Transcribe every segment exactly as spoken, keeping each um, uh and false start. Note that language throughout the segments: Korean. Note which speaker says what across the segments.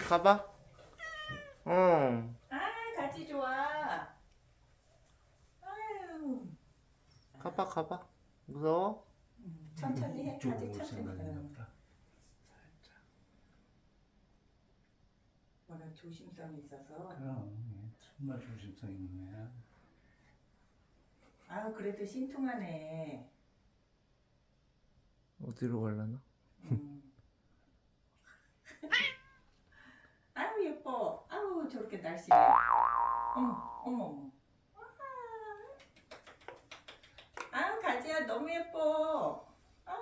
Speaker 1: 가봐. 어.
Speaker 2: 아, 가지 좋아. 아유.
Speaker 1: 가봐 가봐. 무서워?
Speaker 2: 음, 천천히 해. 가지
Speaker 3: 이쪽으로 올
Speaker 2: 천천히.
Speaker 3: 생각인가
Speaker 2: 응.
Speaker 3: 보다.
Speaker 2: 워낙 조심성이 있어서.
Speaker 3: 그럼 얘 정말 조심성 있는 애야.
Speaker 2: 아유, 그래도 신통하네.
Speaker 1: 어디로 가려나?
Speaker 2: 음. 아유, 예뻐. 아유, 저렇게 날씬해. 어머, 어머, 어머. 아유, 가지야, 너무 예뻐. 아,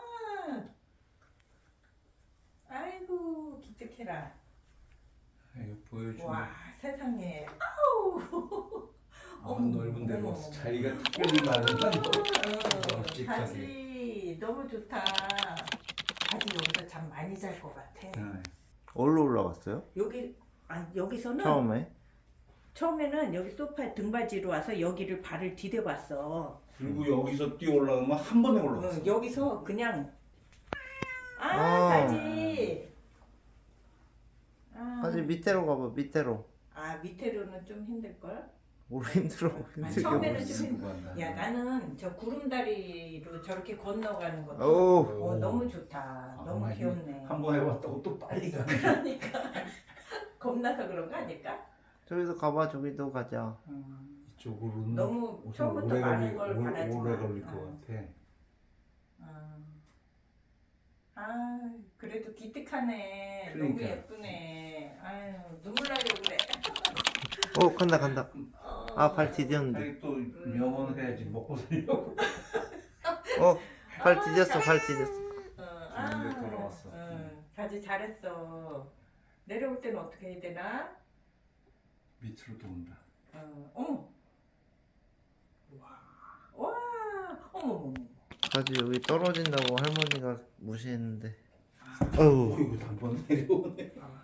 Speaker 2: 아이고, 기특해라.
Speaker 3: 이거 보여주네.
Speaker 2: 와, 세상에. 아우.
Speaker 3: 아,
Speaker 2: 어머,
Speaker 3: 넓은 데로
Speaker 2: 어머,
Speaker 3: 와서
Speaker 2: 어머.
Speaker 3: 자기가 특별히 많은가
Speaker 2: 어,
Speaker 3: 널찍하게.
Speaker 2: 가지 너무 좋다. 가지 여기서 잠 많이 잘 것 같아.
Speaker 3: 네.
Speaker 1: 어디로 올라갔어요?
Speaker 2: 여기 아 여기서는
Speaker 1: 처음에?
Speaker 2: 처음에는 여기 소파에 등받이로 와서 여기를 발을 디뎌봤어.
Speaker 3: 그리고 여기서 뛰어 올라가면 한 번에 올라갔어.
Speaker 2: 어, 여기서 그냥 아
Speaker 1: 아.
Speaker 2: 가지. 아,
Speaker 1: 가지 밑으로 가봐 밑으로.
Speaker 2: 아 밑에로는 좀 힘들 걸.
Speaker 1: 뭘 힘들어
Speaker 2: 아,
Speaker 1: 힘들게
Speaker 2: 처음에는
Speaker 1: 뭘.
Speaker 2: 좀 힘-
Speaker 3: 간다.
Speaker 2: 야 나는 저 구름다리로 저렇게 건너가는 것도
Speaker 1: 오.
Speaker 2: 어, 너무 좋다.
Speaker 3: 아,
Speaker 2: 너무
Speaker 3: 많이
Speaker 2: 귀엽네.
Speaker 3: 한번 해봤다고 또 빨리 가네.
Speaker 2: 그러니까 겁나서 그런 거 아닐까?
Speaker 1: 저기도 가봐 저기도 가자.
Speaker 2: 음.
Speaker 3: 이쪽으로는
Speaker 2: 너무
Speaker 3: 우선
Speaker 2: 처음부터
Speaker 3: 오래
Speaker 2: 많은
Speaker 3: 걸릴,
Speaker 2: 걸
Speaker 3: 오래,
Speaker 2: 바라지
Speaker 3: 오래
Speaker 2: 마.
Speaker 3: 걸릴
Speaker 2: 어.
Speaker 3: 것 같아.
Speaker 2: 아, 아 그래도 기특하네.
Speaker 3: 그러니까.
Speaker 2: 너무 예쁘네. 아유 눈물 나려고 그래.
Speaker 1: 어 간다 간다.
Speaker 2: 어.
Speaker 1: 아 발 디뎠는데.
Speaker 3: 아니 또 명언 해야지 먹고 살려고.
Speaker 1: 어발 디뎠어 발 디뎠어.
Speaker 2: 어,
Speaker 3: 좋은 데 돌아왔어.
Speaker 2: 응, 가지 잘했어. 내려올 때는 어떻게 해야 되나?
Speaker 3: 밑으로 돈다.
Speaker 2: 어, 어머. 와, 와, 어머, 어머.
Speaker 1: 가지 여기 떨어진다고 할머니가 무시했는데.
Speaker 3: 어,
Speaker 1: 어우.
Speaker 3: 이거 한번 내려오네.
Speaker 2: 아,